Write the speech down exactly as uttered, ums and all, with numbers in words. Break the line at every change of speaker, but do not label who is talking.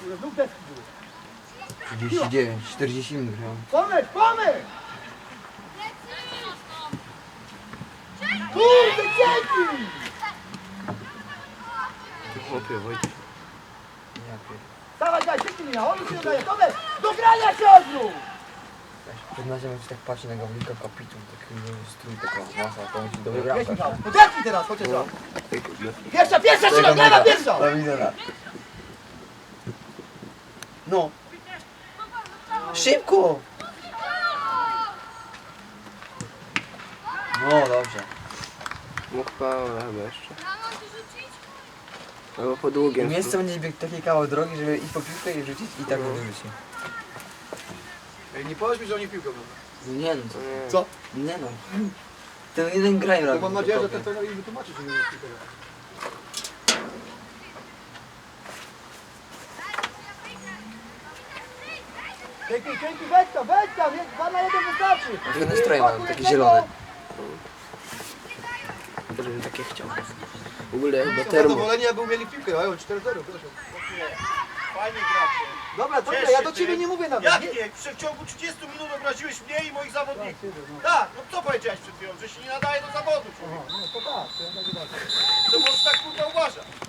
kurde, znów deski były.
trzydzieści dziewięć, czterdzieści minut grałem.
Pomyśl, pomyśl! Kurde, dzięki!
Chłopie, Wojtek.
Ja pierdolę.
Dawaj, daj, szybciej Michał, on się dodaje, pomyśl! Do grania się odwróć!
Przed naszym jak się tak patrzy na Gawlika kapitu, taki strój, taka masa, to musi dobry bramkarz.
Jedź Michał, podepnij teraz, chociaż raz.
Ej, kurde.
Pierwsza, pierwsza, Szymon, lewa, pierwsza!
Do widzenia. No. Szybko! No dobrze.
Mógł Paweł chyba jeszcze. Albo po długiem.
Miejsce będzie biegł taki kawał drogi, żeby i po piłkę i rzucić i tak wyrzuci.
Ej, nie powiedz mi, że oni piłkę mają.
No nie no, co?
Nie.
Co?
Nie no. Ten jeden graj
To
razem.
mam nadzieję, że
to
ten trener im wytłumaczy, że nie mają piłkę. Dzięki, dzięki, weź tam, weź tam, dwa na jeden wystarczy.
Fajne stroje mają, takie zielone.
Też bym takie chciał. W ogóle chyba
Są
termo.
zadowoleni, jakby umieli piłkę, mają cztery zero, proszę.
Fajnie gracie.
Dobra, dobra,
Cieszę
ja do
się.
ciebie nie mówię nawet.
Jak
Nie-
nie? W ciągu trzydziestu minut obraziłeś mnie i moich zawodników.
no.
Tak, no co powiedziałeś przed chwilą? Że się nie nadaje do zawodu, człowiek.
Aha, no to tak, to ja tak uważam.
To możesz tak kurwa uważać.